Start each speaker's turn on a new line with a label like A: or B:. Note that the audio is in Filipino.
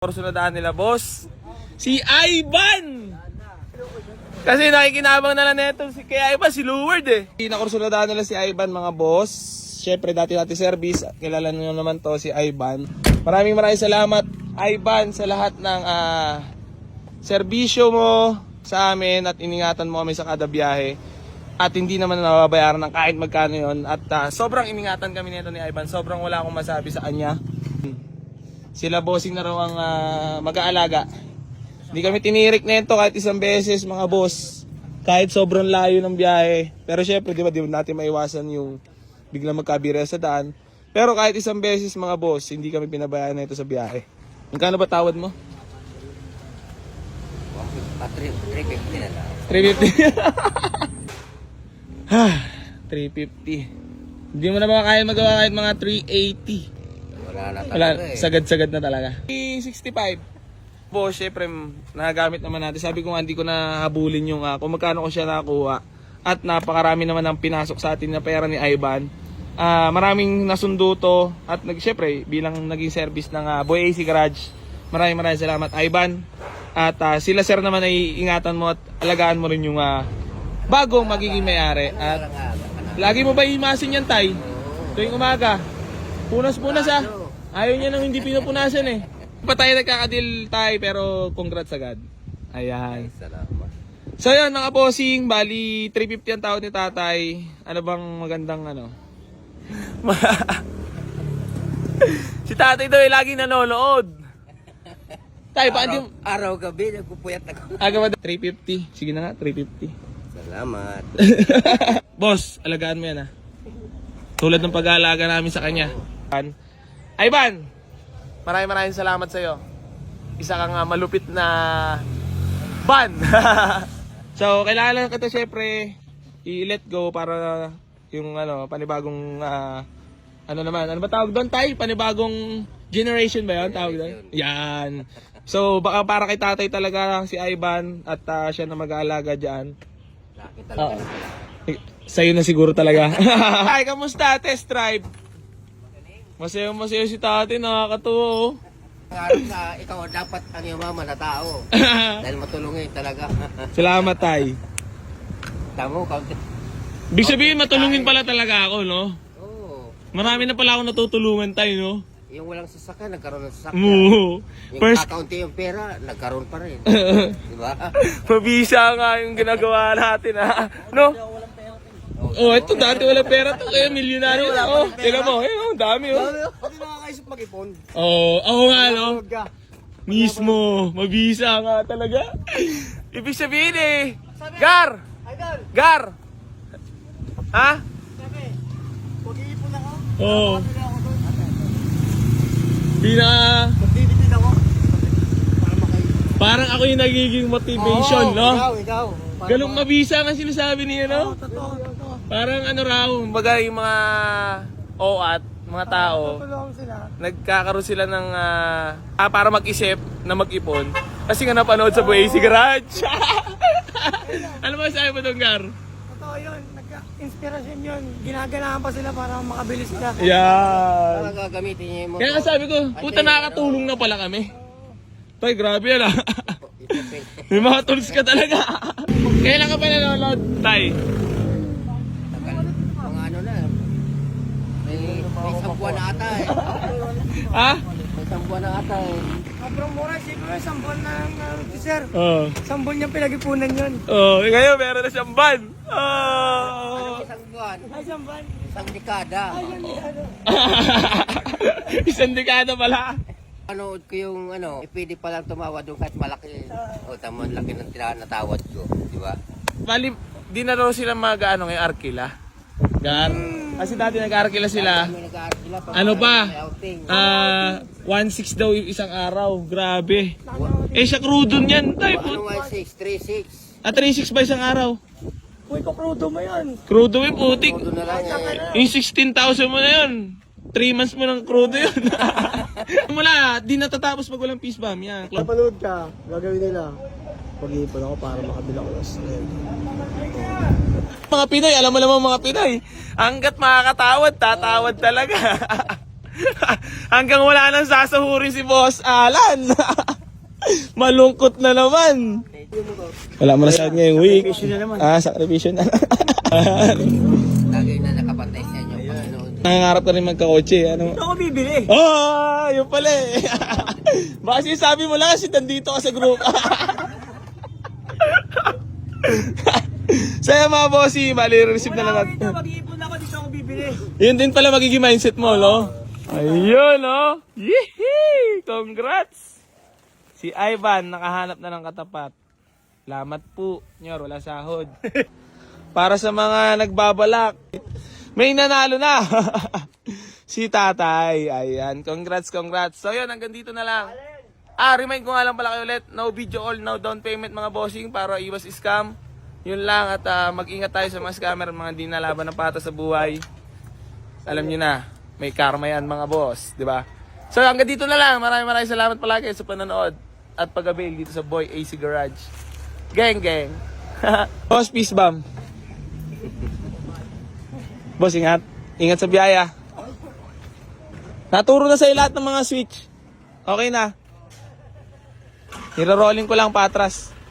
A: Kursunadaan nila, boss. Si Ivan! Kasi nakikinabang na lang neto si kay Ivan, si Luward eh. Nakursunadaan nila si Ivan, mga boss. Siyempre, dati service. Kilala nyo naman to, si Ivan. Maraming salamat, Ivan, sa lahat ng serbisyo mo sa amin at iningatan mo kami sa kada biyahe. At hindi naman nababayaran ng kahit magkano yon. At sobrang iningatan kami nito ni Ivan. Sobrang wala akong masabi sa kanya. Sila bossing na raw ang mag-aalaga. Hindi kami tinirik nito kahit isang beses, mga boss. Kahit sobrang layo ng biyahe. Pero syempre, di ba natin maiwasan yung biglang magkabira sa daan. Pero kahit isang beses, mga boss, hindi kami pinabayaan na ito sa biyahe. Magkano ba tawad mo?
B: 350 na lang.
A: 350. 350. Hindi mo na ba kaya magawa kahit mga 380.
B: Wala na
A: Wala,
B: talaga eh.
A: sagad-sagad na talaga. 65. Boss, syempre, nagagamit naman natin. Sabi ko nga, hindi ko na habulin yung kung magkano ko siya nakuha. At napakarami naman ang pinasok sa atin na pera ni Ivan. Maraming nasundo to. At syempre, bilang naging service ng Boy AC Garage, maraming salamat, Ivan. At sila sir naman ay ingatan mo at alagaan mo rin yung bagong magiging may-ari. At lagi mo ba imasin yan, Tay? Tuwing umaga. Punas-punas Ayaw niya nang hindi pinupunasan eh. Pa tayo nagkakadil tayo pero congrats agad. Ayan.
B: Salamat.
A: So yun mga bossing, bali 350 ang tawad ni tatay. Ano bang magandang si tatay daw ay laging nanonood. Tay, paano
B: Araw-gabi, nagpupuyat ako.
A: aga ba? 350. Sige na nga, 350.
B: Salamat.
A: Boss, alagaan mo yan Tulad ng pag-aalaga namin sa kanya. Ivan, maraming salamat sa iyo. Isa kang malupit na ban. So, kailangan kita syempre i-let go para yung panibagong ano ba tawag doon, Tay? Panibagong generation ba 'yon tawag doon? Yan. So, baka para kay tatay talaga si Ivan at siya na mag-aalaga diyan.
B: Laki talaga.
A: Sa'yo na siguro talaga. Ay, kamusta? Test drive. Masaya si tatay, nakakatuwa
B: Ngayon na ikaw dapat ang iyong mama na tao. Dahil matulungin talaga.
A: Salamat, Tay.
B: Tamo, kaunti.
A: Ibig sabihin, matulungin pala talaga ako, no?
B: Oo.
A: Marami na pala ako natutulungan, Tay, no?
B: Yung walang sasakyan, nagkaroon ng sasakyan.
A: Oo.
B: Yung kakaunti yung pera, nagkaroon pa rin. Diba?
A: Mabisa nga yung ginagawa natin, no? Oh, ito dati wala pera to. Kaya milyonaryo na. Oh, tingnan mo. Ayun, dami, oh.
B: Pati nakakaisip mag-ipon.
A: Oh, ako nga, no? Mismo. Mabisa nga talaga. Ibig sabihin Gar! Gar! Ha?
B: Mag-iipon ako.
A: Oo.
B: Magtitipid ako. Para makaipon.
A: Parang ako yung nagiging motivation, no?
B: Ikaw.
A: Galong mabisa nga sinasabi niya, no?
B: Totoo.
A: Parang raw, baga yung mga OAT, mga tao, nagkakaroon sila ng, para mag-isip na mag-ipon. Kasi nga napanood sa Boy AC Garage. Ano ba sabi mo doon, Gar?
C: Totoo yun, nagka-inspirasyon yun. Ginaganahan pa sila para makabili sila.
A: Yan.
B: Para gagamitin niya yung motor.
A: Kaya nga sabi ko, puta nakakatulong na pala kami. Toy, grabe yan May mga tools ka talaga. Kailan ka pa nanonood, Tay?
B: Mga ano na. May isang buwan na ata eh.
A: Ha?
B: May isang buwan na ata eh.
C: Sobrang mura, siguro isang buwan ng sir.
A: Oo.
C: Isang buwan niyang pinag-ipunan yun.
A: Oh, ngayon meron na siyang ban. Oh.
B: Isang buwan.
C: Ay, isang buwan.
B: Isang dekada.
A: Isang dekada pala.
B: Panood ko yung pwede palang tumawa doon kahit malaki. O tama, laki ng natawad ko. Di ba?
A: Bali, di na raw sila mag-ano ngayon, Arkila. Gar. Kasi dati nag-Arkila sila.
B: Kami nag-aarkila pa.
A: Ano pa?
B: May outing.
A: 1.6 daw yung isang araw. Grabe. Siya crudo niyan, Tay.
B: Ano 1.6? 3.6.
A: 3.6 ba isang araw?
C: Uy, kukrudo mo yun.
A: Crudo yung putik.
B: Todo na lang eh.
A: Yung 16,000 mo na yun. 3 months mo ng crudo yun. Mula, di natatapos pag walang peace bomb. Yan.
C: Kapanood ka, gagawin nila. Pag-iipon ako para makabila ko ng snail.
A: Mga Pinoy, alam mo naman mga Pinoy. Hanggat makakatawad, tatawad talaga. Hanggang wala nang sasahurin si Boss Alan. Malungkot na naman. Wala mo na sa ngayong week. Sakripisyo na.
B: Lagi na nakapantay sa inyo. Panginoon.
A: Nangangarap ka rin magkakotse. Ano?
C: Ito ako bibili.
A: Yun pala eh. Baka sabi mo lang kasi nandito ka sa group. Saya mga bossy, bali receive na lang natin.
C: Mag-iipon ako, dito ako bibili.
A: Yun din pala magiging mindset mo, no? Ayun, no? Yehey! Congrats! Si Ivan, nakahanap na ng katapat. Salamat po, Nyor, wala sahod. Para sa mga nagbabalak, may nanalo na. Si Tatay, ayan. Congrats. So yun, hanggang dito na lang. Remind ko nga lang pala kayo ulit, no video all, no down payment mga bossing para iwas scam. Yun lang at mag-ingat tayo sa mga scammer, mga di nalaban ng pata sa buhay. Alam nyo na, may karma yan mga boss, di ba? So hanggang dito na lang, maraming salamat palagi sa panonood at pag-avail dito sa Boy AC Garage. Gang. Boss, peace bomb. Boss, ingat sa biyaya. Naturo na sa'yo lahat ng mga switch. Okay na. Niro-rolling ko lang patras.